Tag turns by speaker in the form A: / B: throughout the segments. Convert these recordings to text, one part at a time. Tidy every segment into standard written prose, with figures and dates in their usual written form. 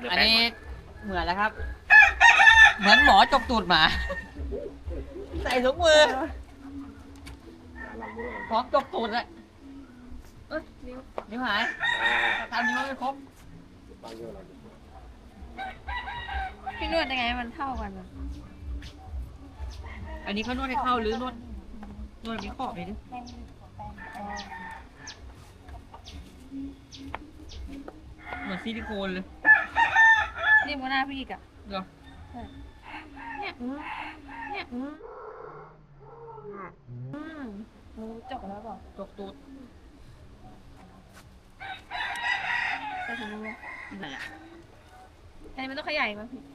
A: อันนี้เหมือนแล้วครับ เหมือนหมอจกตูดหมา ใส่ถุงมือพร้อมจกตูดเลยนิ้วหายทำนิ้วไม่ครบ
B: พี่นวดยังไงมันเท่ากันอะ
A: อันนี้เขานวดให้เข้าหรือนวดมีขอบเลยดิเหมือนซิลิโคนเลย
B: นี่มันหน้าพี่อีกอะ
A: เหรอ
B: เนี่ยเนี่ยมือจกแล้วเปล่า
A: จกตูด
B: ใส่ถุงมือ
A: ไหนอ่ะ
B: อันนี้มันต้องขยายมั้งพี่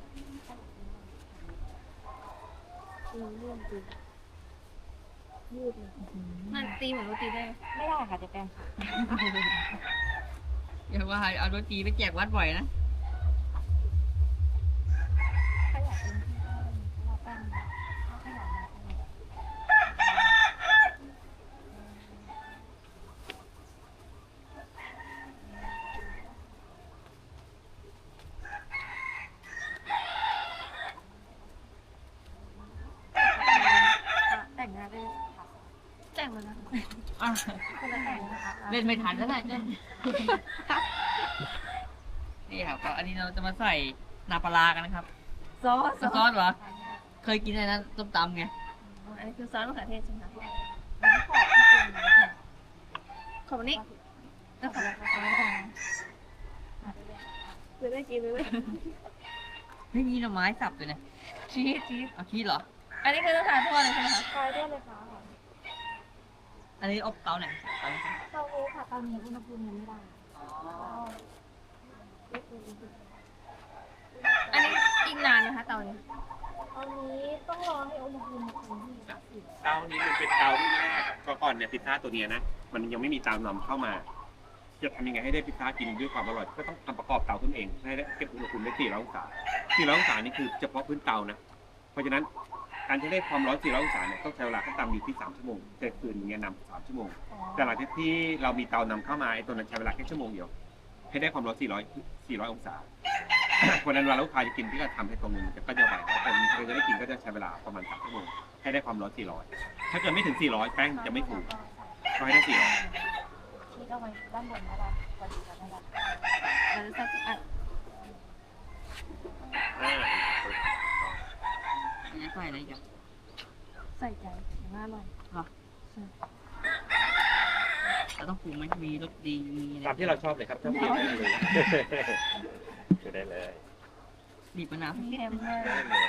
B: มันตีเหมือนโรตีได้ไหมไม่ได้ค่ะจะแปลง
A: อย่าว่าเอาโรตีไปแจกวัดบ่อยนะ
B: ขยายเป็นที่ได้เพราะว่าแป้งขยายมาแต่งงานได้ค่ะแต่งมาแล้ว
A: อ่ะ
B: คนละแต่งนะคะ
A: เล่นไม่ทันแล้วนะเนี่ยนี่ครับก็อันนี้เราจะมาใส่นาปลาร้ากันนะครับ
B: ซอส
A: ซอสเหรอ เคยกินอะไรนะต้มตำไง
B: อันนี้คือซอสมะเขือเทศใช่ไหมคะขอบนี้แล้วขอบเลยได้กินเลย
A: ไม่มีหน่อไม้สับเลยนะ
B: ชีส
A: เอาชีสเหรอ
B: อันนี้คือต้องทานทอดเลยใช่ไหมคะทานทอดเลยค่ะ
A: อันนี้อบเตาไหนเตาไหน
B: เตานี้ค่ะเตานี้อุณหภูมิยังไม่ได้
A: อ๋อ
B: อันนี้อีกนานนะคะเตานี้
C: ตอนนี้ต้องรอให้อุณหภูมิมันคงที่
D: เตานี้มันเป็นเตาที่แรกก็ก่อนเนี่ยพิซซ่าตัวเนี้ยนะมันยังไม่มีเตานำเข้ามาจะทำยังไงให้ได้พิซซ่ากินด้วยความอร่อยก็ต้องทำประกอบเตาขึ้นเองให้ได้เก็บอุณหภูมิได้400องศา400องศานี่คือเฉพาะพื้นเตานะเพราะฉะนั้นการจะได้ความร้อน400องศาเนี่ยต้องใช้เวลาขั้นต่ำอยู่ที่3ชั่วโมงแต่คืนอย่างเงี้ยนำ3ชั่วโมงแต่หลังจากที่เรามีเตานำเข้ามาไอ้ตัวนั้นใช้เวลาแค่ชั่วโมงเดียวให้ได้ความร้อน400องศา เพราะฉะนั้นเวลาลูกค้าจะกินพี่ก็ทำให้ตรงนึงก็จะไหวแต่คนที่จะได้กินก็จะใช้เวลาประมาณ3ชั่วโมงให้ได้ความร้อน400ถ้าเกิดไม่ถึง400แป้งจะไม่ถูกก็ให้ได้400
C: ชีสเอาไว้ด้านบนนะคะพอดีกันนะคะ
B: เราจะใส่อัด
A: อันนี้ใส่อะไรอีกัน
B: ใส่ใจอย่างน่าอร่อย
A: เราต้องปรุงไหมมีรสดีมีอะไร
D: ตามที่เราชอบเลยครับถ้าเปลี่ยนได้เลยคือได้เลย
A: บีบมะนาว
B: เค็มมาก
D: ได้เลย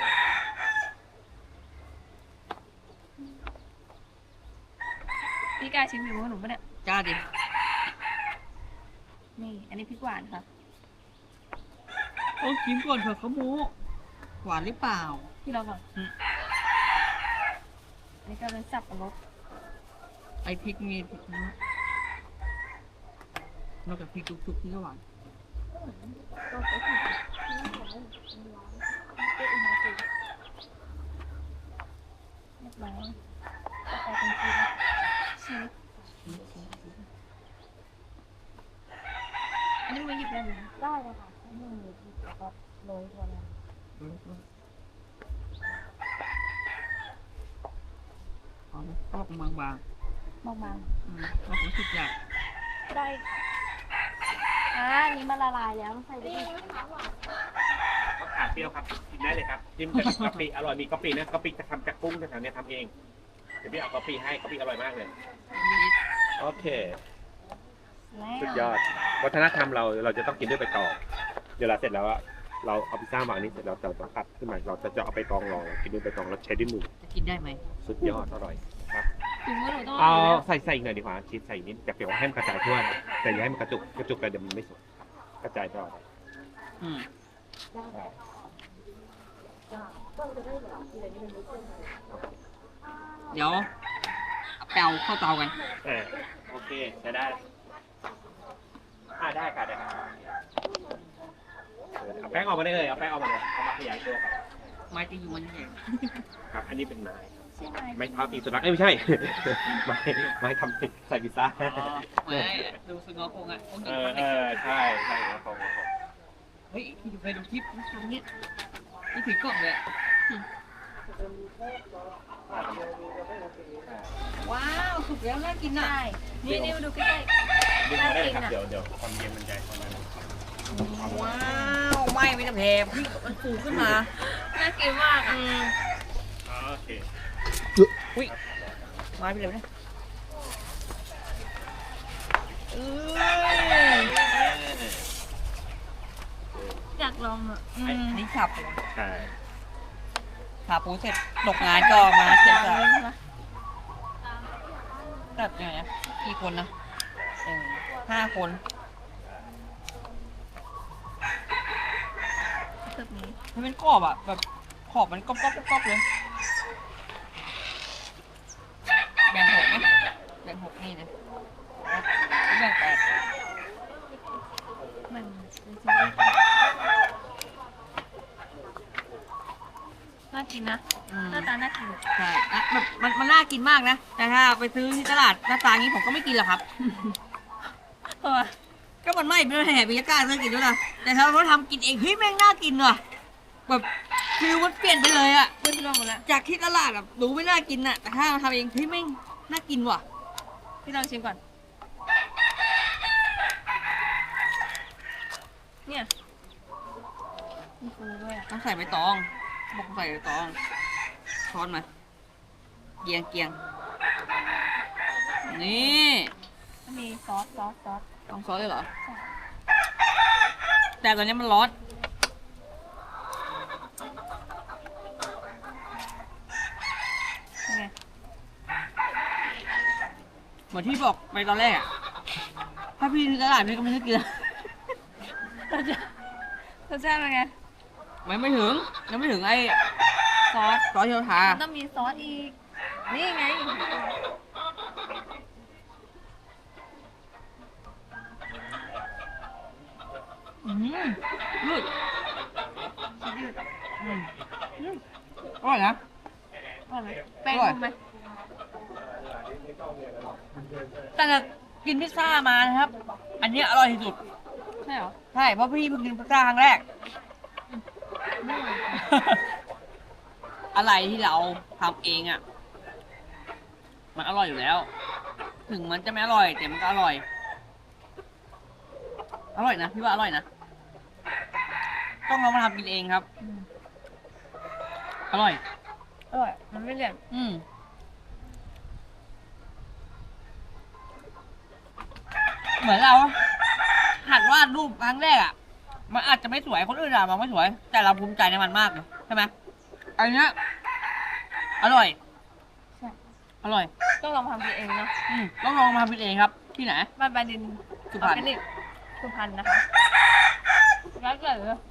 B: พี่กายชิมฝีมือหนูปะเนี่ย
A: จ้าดิ
B: นี่ อันนี้พริกหวานค่ะ
A: โอ้ชิมก่อนเถอะเขาโม้หวานหรือเปล่า
B: ที่เราก่อนอันนี้ก็เป็นสับปะรด
A: ไอพริกมีพริกนะนอกจากพริกทุกๆที่ก็หวาน
C: ก็คือที่น่าจะได้เป็นอุณหภูมิ
B: เรียบร้อย
C: ต่อไปเป็นชีส
B: ชีสอันนี้มาหยิบได้ไหม
C: ได้เลยค่ะให้มือหยิบแล้วก็โรยตัวนั้น
A: เอาไปปอกบาง
B: บาง
A: ๆเรารู้สึกอยาก
C: ๆได้อันนี้มันละลายแล้วใส่ได้อีก
D: มะขามเปรี้ยวครับกินได้เลยครับจิ้มกับกะปิอร่อยมีกะปินะกะปิจะทำจากกุ้งแถวๆเนี้ยทำเองเดี๋ยวพี่เอากะปิให้กะปิอร่อยมากเลยโอเค
B: แล้ว
D: สุดยอด วัฒนธรรมเราจะต้องกินด้วยใบตองเดี๋ยวเราเสร็จแล้วอะเราเอาพิซซ่าวางนี้เสร็จเราจะต้องตัดขึ้นมาเราจะเอาใบตองรองกินด้วยใบตองแล้วใช้ด้วยมือ
A: จะกินได้ไหม
D: สุดยอดอร่อยครับ
B: ฝีมือหนูต้อง
D: เอา
B: ร่อยอยู่แล้ว
D: ใส่อีกหน่อยดีกว่าชีสใส่อีกนิดจะเปรี้ยวให้มันกระจายทั่วนะแต่อย่าให้มันกระจุกกันเดี๋ยวมันไม่สวยครับกระจายทั่ว
A: อืม เดี๋ยวเอาแปลวเข้าเตากัน
D: โอเคใช้ได้ได้ค่ะได้ค่ะเอาแป้งออกมาได้เลยเอาแป้งออกมาเลยเอามาขยายตัวครับ
A: ไม้ตีอยู่มันใหญ่
D: ครับ อันนี้เป็นไม้
B: ใช่ไหม
D: ไม้เท้าตีสุนัขไม่ใช่ ไม้ทำใส่พิซซ่า
A: ไม้ดูสงอคงอ่ะคง
D: เอ
A: กิน
D: อ
A: ข้าว
D: ใช่ครับผม
A: เฮ้ยพี่เคยดูคลิปทำเนี่ยนี่ถือกล่องเลยอะว้าวสุกแล้วน่ากินอ่ะ
B: ใช่นี่มาดูใกล้
D: ดึงมาได้เลยครับเดี๋ยวความเย็นมันใจความนั้น
A: ว้าวไหม้ไม่ต้องแพงพี่มันฟูขึ้นมา
B: ๆน่ากินมากอ่ะ
D: โอเค
A: อุ้ยมาไปเลยนะเอ้ย
B: อยากลองอ่ะ
A: อันนี้ขับ
D: ใช่
A: ขาปูเสร็จตกงานก็มาเจ็บจะตัดยังไงนะกี่คนนะ5 คน
B: แบบนี้
A: มันเป็นกรอบอ่ะแบบขอบมันก๊อบเลยแบ่ง6ไหมแบ่ง6นี่นะแบ่ง8
B: มันน่ากินนะหน้าตาน่ากิน
A: ใช่อะแบบมันน่ากินมากนะ แต่ถ้าไปซื้อที่ตลาดหน้าตางี้ผมก็ไม่กินหรอกครับ
B: เพราะว่า
A: ก็มันไม่เป็นแห่บรรยากาศน่ากินด้วยนะแต่ถ้าเขาทำกินเองเฮ้ยแม่งน่ากินว่ะแบบฟิลมันเปลี่ยนไปเลยอะ
B: เพื่อนที่ลองหมดแล้ว
A: จากที่ตลาดแบบดูไม่น่ากินอะแต่ถ้ามาทำเองเฮ้ยแม่งน่ากินว่ะ
B: พี่ลองชิมก่อนเนี่ยมีฟูด้วยอ่ะ
A: ต้องใส่ใบตองบอกใส่ใบตองช้อนมาเกียงนี่
B: มีซอส
A: ต้องซอสเลยเหรอแต่ตอนนี้มันร้อน
B: ไง
A: เหมือนที่บอกไปตอนแรกอะถ้าพี่ซื้อตลาดพี่ก็ไม่ซื้อกิน
B: รสชาติเป็นไง
A: ไม่ถึงยังไม่ถึงไอ้ซอสที่เราทา
B: มันต้องมีซอสอีก นี่ไง
A: ยืด
B: ยืด
A: อร่อยนะ
B: อร่อยไหมแป้ง
A: อร่อย
B: นุ่มไหม
A: ตั้งแต่กินพิซซ่ามานะครับ อันนี้อร่อยที่สุด
B: ใช่เหรอ
A: ใช่เพราะพี่เพิ่งกินพิซซ่าครั้งแรก อะไรที่เราทำเองอ่ะ มันอร่อยอยู่แล้ว ถึงมันจะไม่อร่อยแต่มันก็อร่อย อร่อยนะพี่ว่าอร่อยนะ ต้องลองมาทำกินเองครับ อร่อย
B: อร่อย มันไม่เหลี่ยม
A: เหมือนเราหัดวาดรูปครั้งแรกอ่ะ มันอาจจะไม่สวยคนอื่นอะมองไม่สวย แต่เราภูมิใจในมันมากเลยใช่ไหมอันเนี้ยอร่อย
B: ใช่
A: อร่อย
B: ต้องลองทำกินเองเนาะ
A: ต้องลองมาทำกินเองครับ ที่ไหน
B: บ้านบาดิน
A: สุพรรณ
B: ออร์แกนิกสุพรรณนะคะแล้วเกิด